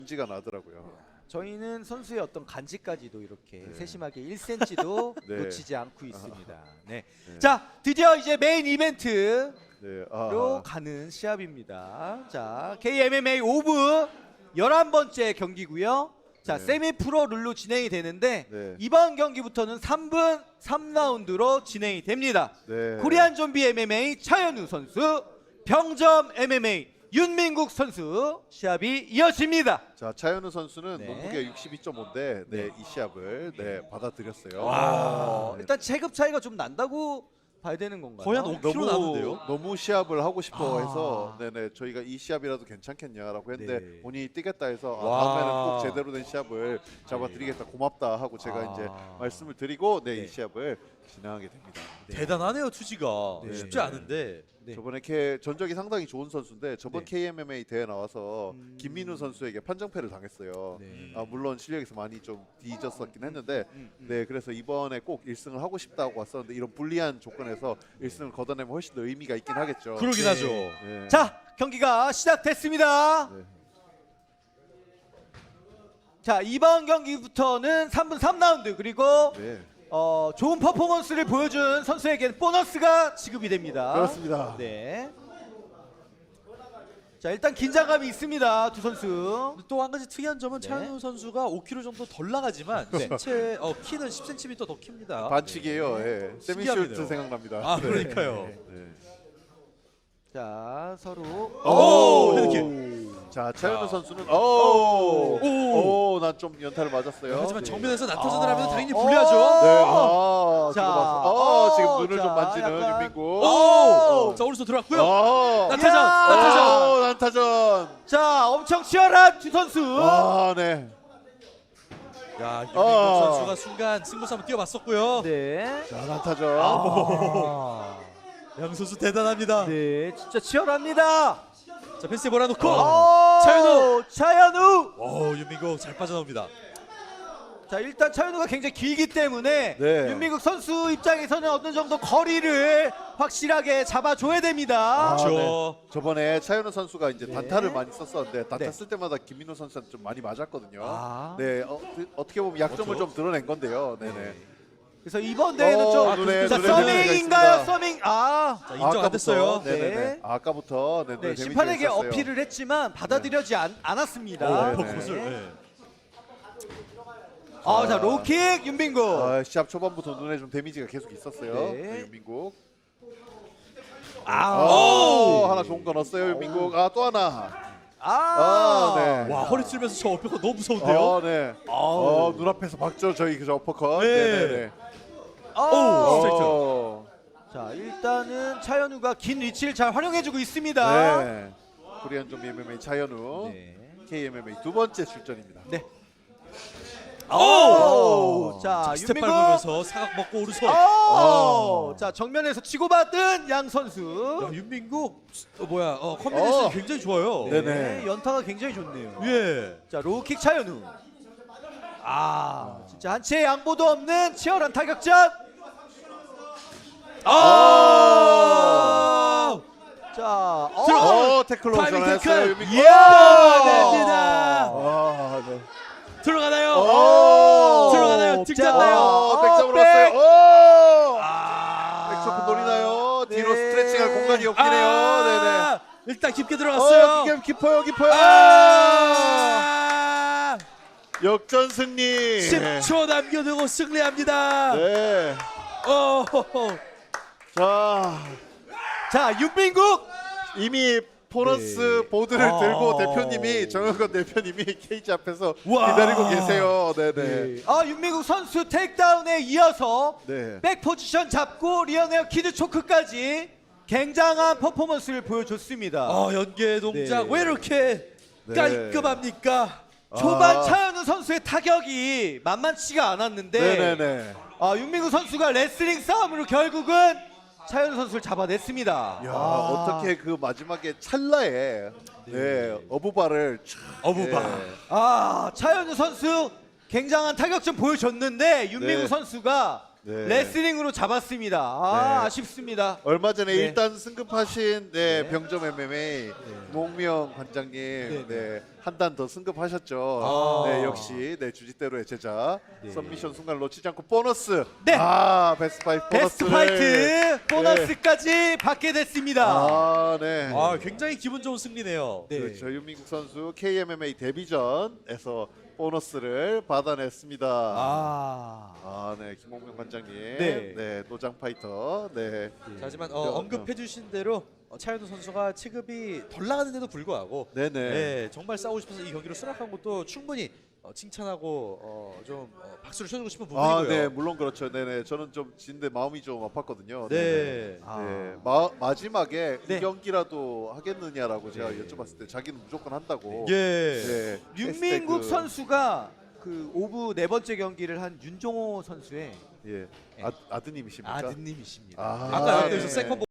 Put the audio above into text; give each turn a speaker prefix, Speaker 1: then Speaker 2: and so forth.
Speaker 1: 지가 나더라고요.
Speaker 2: 저희는 선수의 어떤 간지까지도 이렇게 세심하게 1cm도
Speaker 1: 네.
Speaker 2: 놓치지 않고 있습니다. 네.
Speaker 1: 네.
Speaker 2: 자, 드디어 이제 메인 이벤트로
Speaker 1: 네.
Speaker 2: 가는 시합입니다. 자, KMMA 오브 11번째 경기고요. 자,
Speaker 1: 네.
Speaker 2: 세미 프로 룰로 진행이 되는데
Speaker 1: 네.
Speaker 2: 이번 경기부터는 3분 3라운드로 진행이 됩니다.
Speaker 1: 네.
Speaker 2: 코리안 좀비 MMA 차현우 선수, 병점 MMA 윤민국 선수 시합이 이어집니다.
Speaker 1: 자, 차현우 선수는
Speaker 2: 네.
Speaker 1: 몸무게가 62.5인데 이 시합을 받아들였어요.
Speaker 2: 일단 체급 차이가 좀 난다고 봐야 되는 건가요?
Speaker 3: 거의 한 5kg 나는데요.
Speaker 1: 너무 시합을 하고 싶어 해서 저희가 이 시합이라도 괜찮겠냐라고 했는데
Speaker 2: 네.
Speaker 1: 본인이 뛰겠다 해서
Speaker 3: 와.
Speaker 1: 다음에는 꼭 제대로 된 시합을 잡아드리겠다, 고맙다 하고 제가 이제 말씀을 드리고 이 시합을 진행하게 됩니다.
Speaker 3: 대단하네요, 투지가.
Speaker 1: 네.
Speaker 3: 쉽지 않은데.
Speaker 2: 네.
Speaker 1: 저번에 전적이 상당히 좋은 선수인데 저번 KMMA 대회 나와서 김민우 선수에게 판정패를 당했어요.
Speaker 2: 네.
Speaker 1: 물론 실력에서 많이 좀 뒤졌었긴 했는데 그래서 이번에 꼭 1승을 하고 싶다고 왔었는데 이런 불리한 조건에서 1승을 거둬내면 훨씬 더 의미가 있긴 하겠죠.
Speaker 3: 그러긴
Speaker 2: 네.
Speaker 3: 하죠.
Speaker 1: 네.
Speaker 2: 자, 경기가 시작됐습니다.
Speaker 1: 네.
Speaker 2: 자, 이번 경기부터는 3분 3라운드 그리고
Speaker 1: 네.
Speaker 2: 좋은 퍼포먼스를 보여준 선수에게는 보너스가 지급이 됩니다.
Speaker 1: 그렇습니다.
Speaker 2: 네. 자, 일단 긴장감이 있습니다. 두 선수.
Speaker 3: 또 한 가지 특이한 점은
Speaker 2: 네.
Speaker 3: 차현우 선수가 5kg 정도 덜 나가지만 신체 키는 10cm 더 킵니다.
Speaker 1: 반칙이에요. 예. 세미쇼트
Speaker 3: 신기하네요.
Speaker 1: 생각납니다.
Speaker 3: 아, 그러니까요.
Speaker 1: 네.
Speaker 2: 자, 서로
Speaker 3: 오, 이렇게.
Speaker 1: 자, 차현우 선수는 난 좀 연타를 맞았어요.
Speaker 3: 하지만
Speaker 1: 네.
Speaker 3: 정면에서 나타전을 하면 당연히 불리하죠.
Speaker 1: 네.
Speaker 2: 자,
Speaker 1: 지금 눈을
Speaker 2: 자,
Speaker 1: 좀 만지는
Speaker 2: 약간-
Speaker 1: 윤민국.
Speaker 3: 자, 오른손 들어갔고요. 나타전,
Speaker 2: 야!
Speaker 3: 나타전.
Speaker 1: 난타전.
Speaker 2: 자, 엄청 치열한 두 선수.
Speaker 1: 네.
Speaker 3: 야, 윤민국 선수가 순간 승부수 한번 뛰어봤었고요.
Speaker 2: 네.
Speaker 1: 자, 난타전.
Speaker 3: 양 선수 대단합니다.
Speaker 2: 네, 진짜 치열합니다.
Speaker 3: 자, 펜스에 몰아놓고
Speaker 2: 차현우. 차현우.
Speaker 3: 윤민국 잘 빠져나옵니다.
Speaker 2: 자, 일단 차현우가 굉장히 길기 때문에
Speaker 1: 네.
Speaker 2: 윤민국 선수 입장에서는 어느 정도 거리를 확실하게 잡아줘야 됩니다.
Speaker 3: 그렇죠.
Speaker 1: 저번에 차현우 선수가 이제
Speaker 2: 네.
Speaker 1: 단타를 많이 썼었는데 단타
Speaker 2: 네.
Speaker 1: 쓸 때마다 김민호 선수한테 좀 많이 맞았거든요.
Speaker 2: 아.
Speaker 1: 네, 어떻게 보면 약점을
Speaker 3: 그렇죠.
Speaker 1: 좀 드러낸 건데요. 네네.
Speaker 2: 그래서 이번 대회는 좀
Speaker 1: 눈에
Speaker 2: 자,
Speaker 1: 데미지가
Speaker 2: 서밍인가요?
Speaker 1: 있습니다.
Speaker 2: 서밍.
Speaker 3: 자, 인정 안 됐어요.
Speaker 1: 네네네.
Speaker 2: 네.
Speaker 1: 아까부터
Speaker 2: 네,
Speaker 1: 데미지가
Speaker 2: 심판에게
Speaker 1: 있었어요.
Speaker 2: 어필을 했지만 받아들여지 않았습니다.
Speaker 1: 네, 네.
Speaker 3: 컷을.
Speaker 2: 자, 로킥 윤민국.
Speaker 1: 시합 초반부터 눈에 좀 데미지가 계속 있었어요.
Speaker 2: 네.
Speaker 1: 네, 윤민국.
Speaker 2: 오!
Speaker 1: 하나 좋은 거 넣었어요, 윤민국. 또 하나. 네.
Speaker 3: 와, 허리 찔면서 저 어깨가 너무 무서운데요.
Speaker 1: 네. 눈앞에서 박죠, 저희 그 어퍼컷.
Speaker 3: 네.
Speaker 1: 네네네.
Speaker 3: 스트레이트.
Speaker 2: 자, 일단은 차현우가 긴 위치를 잘 활용해주고 있습니다.
Speaker 1: 네. 코리안 좀비 MMA 차현우.
Speaker 2: 네.
Speaker 1: KMMA 두 번째 출전입니다.
Speaker 2: 네.
Speaker 3: 자,
Speaker 2: 자,
Speaker 3: 스텝
Speaker 2: 윤민국.
Speaker 3: 밟으면서 사각 먹고 오른손.
Speaker 2: 자, 정면에서 치고받은 양 선수.
Speaker 3: 야, 윤민국 컨비네이션이 굉장히 좋아요.
Speaker 1: 네네.
Speaker 2: 연타가 굉장히 좋네요.
Speaker 3: 예.
Speaker 2: 자, 로킥 차현우. 진짜 한치의 양보도 없는 치열한 타격전. 자,
Speaker 1: 태클로
Speaker 3: 타이밍
Speaker 1: 전환했어요,
Speaker 3: 태클.
Speaker 1: 윤민국.
Speaker 3: 됩니다.
Speaker 1: 네.
Speaker 3: 들어가나요? 들어가나요? 직잡나요?
Speaker 1: 백점으로
Speaker 2: 백.
Speaker 1: 왔어요. 백초크 노리나요?
Speaker 2: 네.
Speaker 1: 뒤로 스트레칭할 공간이 없긴 해요. 네네.
Speaker 3: 일단 깊게 들어갔어요.
Speaker 1: 깊어요. 역전 승리.
Speaker 3: 10초 남겨두고 승리합니다.
Speaker 1: 네.
Speaker 2: 자, 윤민국.
Speaker 1: 이미 보너스 보드를 들고 대표님이 정영건 대표님이 케이지 앞에서 기다리고 계세요. 네네.
Speaker 2: 윤민국 선수 테이크다운에 이어서
Speaker 1: 네.
Speaker 2: 백 포지션 잡고 리어네어 키드 초크까지 굉장한 퍼포먼스를 보여줬습니다.
Speaker 3: 연계 동작
Speaker 2: 네.
Speaker 3: 왜 이렇게 깔끔합니까?
Speaker 2: 초반 차현우 선수의 타격이 만만치가 않았는데
Speaker 1: 네네네.
Speaker 2: 윤민국 선수가 레슬링 싸움으로 결국은 차현우 선수를 잡아냈습니다.
Speaker 1: 어떻게 그 마지막에 찰나에 어부바를
Speaker 2: 차현우 선수 굉장한 타격전 보여줬는데 윤민국
Speaker 1: 네.
Speaker 2: 선수가
Speaker 1: 네.
Speaker 2: 레슬링으로 잡았습니다.
Speaker 1: 네.
Speaker 2: 아쉽습니다.
Speaker 1: 얼마 전에
Speaker 2: 네.
Speaker 1: 일단 승급하신 병점 MMA 목명 관장님 한 단 더 승급하셨죠.
Speaker 3: 아.
Speaker 1: 네, 역시 네, 주짓대로의 제자.
Speaker 2: 네.
Speaker 1: 썸미션 순간 놓치지 않고 보너스.
Speaker 2: 네.
Speaker 1: 베스트 파이트
Speaker 2: 베스트
Speaker 1: 보너스를.
Speaker 2: 파이트 보너스까지 받게 됐습니다.
Speaker 1: 네.
Speaker 3: 굉장히 기분 좋은 승리네요.
Speaker 2: 네.
Speaker 1: 그렇죠. 윤민국 선수 KMMA 데뷔전에서 보너스를 받아냈습니다. 네, 김홍명 관장님,
Speaker 2: 네.
Speaker 1: 네, 노장 파이터, 네,
Speaker 3: 자, 하지만 언급해주신 대로 차현우 선수가 체급이 덜 나가는데도 불구하고
Speaker 1: 네네,
Speaker 3: 네, 정말 싸우고 싶어서 이 경기를 수락한 것도 충분히 칭찬하고 좀 박수를 쳐주고 싶은 부분이고요.
Speaker 1: 네, 물론 그렇죠. 네네, 저는 좀 진데 마음이 좀 아팠거든요.
Speaker 3: 네.
Speaker 1: 네, 마지막에
Speaker 2: 네.
Speaker 1: 이 경기라도 하겠느냐라고 제가 여쭤봤을 때 자기는 무조건 한다고.
Speaker 3: 예.
Speaker 1: 네,
Speaker 2: 윤민국
Speaker 1: 했을 때
Speaker 2: 선수가 그 오브 네 번째 경기를 한 윤종호 선수의
Speaker 1: 예, 아드님이십니까?
Speaker 2: 아드님이십니다.
Speaker 3: 아까
Speaker 1: 네.
Speaker 3: 여기서 세컨